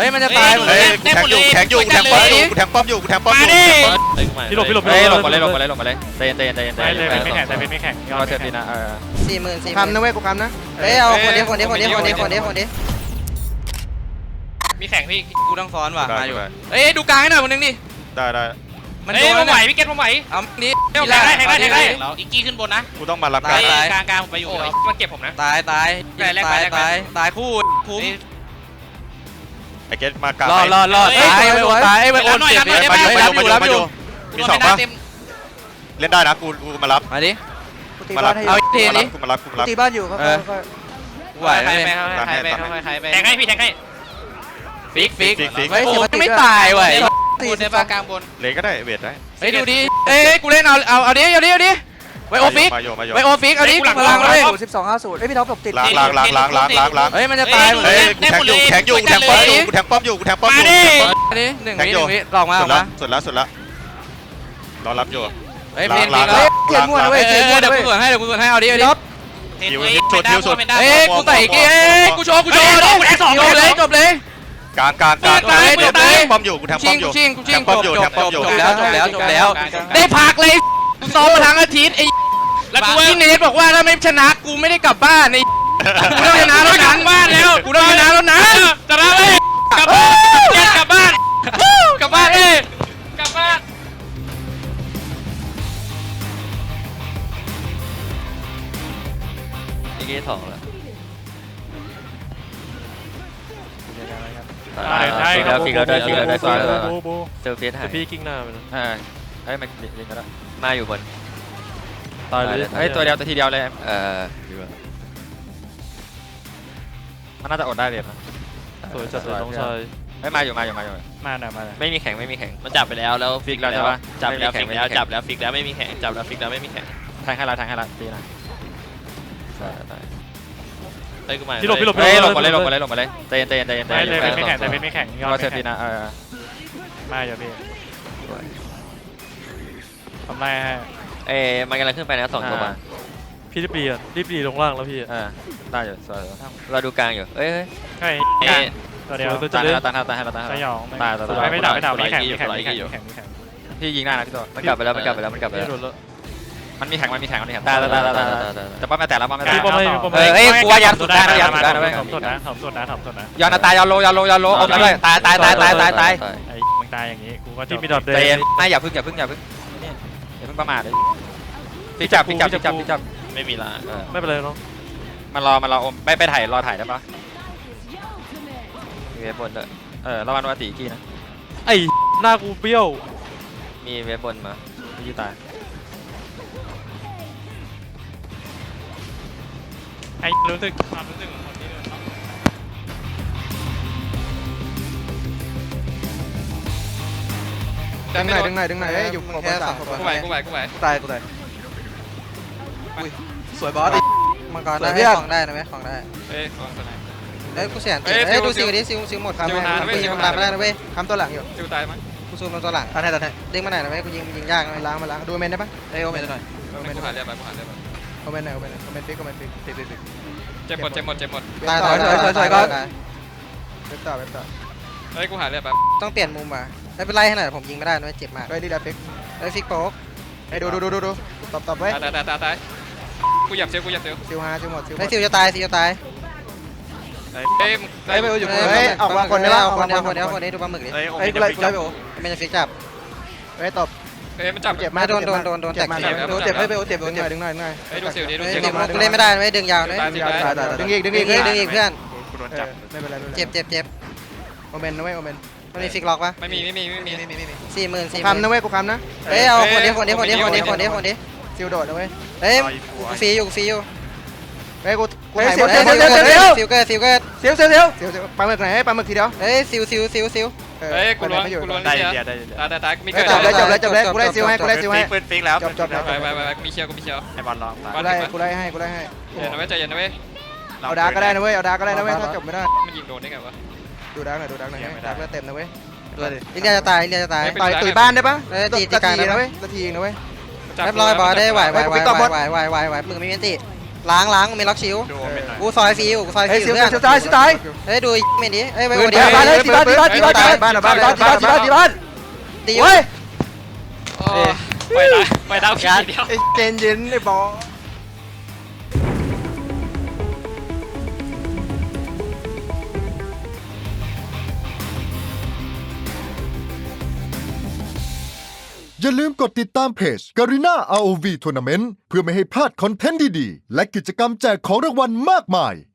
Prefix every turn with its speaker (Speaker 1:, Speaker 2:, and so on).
Speaker 1: ฮ้ยมันจะตายหมดเลยแทงอยู่กูแทงป้อมอยู่กูแทงป้อมอยู่
Speaker 2: พี่หลบ
Speaker 3: ลงมาเลยเตน
Speaker 2: ไม่แข่ง
Speaker 3: เราเซฟดีนะ
Speaker 1: 40,000คำนะเว้ยกูคำนะ
Speaker 4: เฮ้ยเอาคนนี้
Speaker 2: มีแข่งพี่
Speaker 1: กูต้องซ้อนว่ะมาอยู่
Speaker 4: เฮ้ยดูกลางให้หน่อยคนนึงดิ
Speaker 3: ได้
Speaker 1: มัน
Speaker 2: เฮ้
Speaker 1: โด
Speaker 2: ย
Speaker 1: น
Speaker 2: ผมไหวพี่เกตผมไหว
Speaker 1: เอานี้
Speaker 2: แข่งได้แล้วอีกกี้ขึ้นบนนะ
Speaker 3: กูต้องมารับ
Speaker 2: กลางผมไปอยู่มันเก็บผมนะ
Speaker 1: ตายคู่คุ้ม
Speaker 3: ไอเกตมากลาง
Speaker 1: รอตายไว้โอนเจ็บรับอยู่
Speaker 3: มี2ป่ะเล่นได้นะกูมารับ
Speaker 1: มาดิ
Speaker 3: มารับ
Speaker 1: เอาทีนี้
Speaker 3: กูมารับ
Speaker 4: ตีบ้านอยู่ครับ
Speaker 1: ไหวไหม
Speaker 2: แข่งให้พี่แข่งให้
Speaker 1: ฟิก
Speaker 4: เฮ้ย
Speaker 1: ไม่ตายเว้ย
Speaker 4: บนในบ้านกลางบน
Speaker 3: เลยก็ได้เวทได้
Speaker 1: เฮ้ยดูดิเอ้ยกูเล่นเอาดิไว้โอฟิกไว้โอฟิกเอาดิพลังเลย
Speaker 4: 1250เฮ้ยพี่ท็อปตบติด
Speaker 3: ล้าง
Speaker 1: เฮ้ยมันจะตายหมดเลย
Speaker 3: กูแทงอยู่กูแทงป้อมอยู่กูแทงป้อมอยู่
Speaker 1: นี่หนึ่งวิลองมา
Speaker 3: สุดแล้วรอรับอยู่
Speaker 1: เฮ้ยเพลงเขียนมั่วนะเว้ยเดี๋ยวกูส่วนให้เอาดิ
Speaker 3: ฮิวสุด
Speaker 1: เฮ้ยกูใส่กี้กูโชว์จบเลย
Speaker 3: กลางป้อมอยู่กูแทงป้อมอยู่
Speaker 1: ชิงจบแล้วได้พักเลยซ้อมมาทั้งอาทิตย์ไอ้แล้วกูพี่เนทบอกว่าถ้าไม่ชนะกูไม่ได้กลับบ้านไอ้กูต้องชนะแล้วนะบ้านแล้วกูต้องชนะแล้วนะ
Speaker 2: จะรับเลยกลับบ้านกลับบ้าน
Speaker 3: อีกสองแล้ว
Speaker 2: ฟิกแล้วได้
Speaker 3: เซลฟี่หาย
Speaker 2: พี่กิ้งหน้ามัน
Speaker 3: เฮ้ยมันลิงก็ได้มาอยู่บน
Speaker 2: ตายเลย
Speaker 3: เฮ้ยตัวเดียวทีเดียวเลยมันน่าจะอดได้เลยนะ
Speaker 2: สวยจัดเลยน้องชาย
Speaker 3: เฮ้ยมาอยู่
Speaker 2: มา
Speaker 3: ไม่มีแข่ง
Speaker 5: มันจับไปแล้วฟิกแล้ว
Speaker 3: ใช่ปะ
Speaker 5: จับแล้วฟิกแล้วจับแล้วฟิกแล้วไม่มีแข่งจับแล้วฟิกแล้วไม่มีแข่ง
Speaker 3: แทงให้ละตีนะ
Speaker 5: เฮ้ยกูมา
Speaker 2: พี่หลบ
Speaker 3: เฮ้ยลงมาเลยเตน
Speaker 2: ไม่แข่ง
Speaker 3: เราเซฟดีนะ
Speaker 2: มาอย่าพี่ทำไรฮะ
Speaker 5: มันกำลังขึ้นไปนะ2 ตัวมา
Speaker 2: พี่รีบดีลงล่างแล้วพี่
Speaker 3: ได้อยู่สวย
Speaker 5: เราดูกลางอยู่เอ้ย
Speaker 2: ใช่ตัวเดียว
Speaker 3: ตายให้
Speaker 2: สยอง
Speaker 3: ตาย
Speaker 2: ไม่ด่าไม่แข่ง
Speaker 3: พี่ยิงหน้านะพี่ตัว
Speaker 5: มันกลับไปแล้วมัน
Speaker 3: มันมีแข่งตายแต่ป้อมแต่แล้วป้อมแต่
Speaker 1: เฮ้ยกูว่ายันสุดได้นะเว้ย
Speaker 2: ถมสุดนะ
Speaker 1: ย้อนตายยอนโลอมด้วยตาย
Speaker 2: ไอ้มึงตายอย่างนี้กูก็ที่มีดอทเดน
Speaker 1: ไม่อย่าพึ่งประมาทเลยพี่จับ
Speaker 5: ไม่มีละ
Speaker 2: ไม่เป็นไรเนาะ
Speaker 3: มันรออมไปถ่ายรอถ่ายได้ปะ
Speaker 5: มีเว็บบนด้วย
Speaker 3: ระวังว่าตีกี้นะ
Speaker 2: ไอ้หน้ากูเบี้ยว
Speaker 5: มีเว็บบนมา
Speaker 3: พี่ตาย
Speaker 2: ไอ้รู้สึกความรู้สึกของคนที่
Speaker 4: ดึงหน่อยอยู่แค่3
Speaker 5: กูไหว
Speaker 4: ตายสวยบอสมังกรได้ของได้นะไหมของได้
Speaker 5: เฮ้ยของตัวไหน
Speaker 4: เฮ้ยกูเสียนดูซิวดิซิวหมดคำกูยิงมันตามไม่ได้นะเว้ยคำตัวหลังอยู่
Speaker 5: ซิวตายมั้ย
Speaker 4: กูซูมตัวหลังตัดให้ดึงมาไหนนะเว้ยกูยิงยากนะล้างมาล้างดูเมนได้ปะเอ้ยโอเมนหน่อย
Speaker 5: กูหาเรียบไป
Speaker 4: โอเมนหน่อยโอเมนฟิก
Speaker 5: เจ็บหมด
Speaker 4: ตายก็เว็บต่อ
Speaker 5: เฮ้ยกูหาเรียบไป
Speaker 4: ต้องเปลี่ยนมุมอ่ะไม่เป็นไรให้หน่อยผมยิงไม่ได้นะเจ็บมากเฮ้ยดีแล้วฟิกฟิกโป๊กเฮ้ยดูตบไว้
Speaker 5: ตายกูหยับเซล
Speaker 4: ซิวหมดไอ้ซิวจะตาย
Speaker 5: เฮ้ย
Speaker 4: ไปอยู่ออกมาคนนี้ดูปลาหมึกดิ
Speaker 3: เฮ้ยกูไล่
Speaker 4: ไม่จะฟิกจับเฮ้ยตบ
Speaker 5: เฮ้ยมันจับ
Speaker 4: เจ็บมากโดนแตกเจ็บดึงหน่อย
Speaker 5: เฮ้ยดูซิวดิ
Speaker 4: เล่นไม่ได้ไม่ดึงยาวเลยดึงอีกเพื่อน
Speaker 3: กูโดนจับ
Speaker 4: ไม่เป็นไรเจ็บโอเมนนะเว้ยโอเมนมันมีฟิกล็อกปะ
Speaker 5: ไม่มี
Speaker 4: 40,000คำนะเว้ยกูคำนะเฮ้ยเอาคนนี้ซิลโดดนะเว้ยเฮ้ยฟรีอยู่เฮ้ยกูถ่ายหมดซิลเกิดปลาหมึกไหนปลาหมึกทีเดียวเฮ้ยซิล
Speaker 5: เฮ้ยกูล้วงได้ตายมีเกิด
Speaker 4: จบเลยกูได้ซิลให้
Speaker 3: ปืนฟิกแล้ว
Speaker 4: จบ
Speaker 5: ไปมีเชียว
Speaker 3: ไอบอลลอง
Speaker 4: กูได้ให้
Speaker 5: ใจเย็นนะเว้ย
Speaker 4: เอาดาร์กก็ได้นะเว้ยถ้าจบไม่ได้
Speaker 5: มันยิงโดนได้ไงวะ
Speaker 4: ดูดาร์กหน่อยดาร์กเต็มนะเว้ยอินเดียจะตายตุยบ้านได้ปะตีกลางนะเว้ยทีนะเว้ยเรียบร้อยบอลได้ไหวมึงไม่มีอันติล้างมีล็อกชิว
Speaker 5: ดูเป็นหน่อย
Speaker 4: กูซอยฟิวกูซอย
Speaker 6: เฮ้ย
Speaker 4: ฟิว
Speaker 6: เสียว
Speaker 4: เพื่อน
Speaker 6: เสียวตายเสียวตาย
Speaker 4: เฮ้ยดูเมนดิเฮ้ยไป
Speaker 6: ปื
Speaker 4: วัน น
Speaker 6: ที่
Speaker 4: นี้
Speaker 6: บ้านเลยที่บ้านที่บ้านที่บ้านที่บ้านที่บ้านที่บ้านที่บ้านที่บ้าน
Speaker 4: ตี
Speaker 6: เฮ้ย
Speaker 2: ไปดาวพี่เดียว
Speaker 6: ไอ้เจนเย็นไอ้บอล
Speaker 7: อย่าลืมกดติดตามเพจ Garena ROV Tournament เพื่อไม่ให้พลาดคอนเทนต์ดีๆ และกิจกรรมแจกของรางวัลมากมาย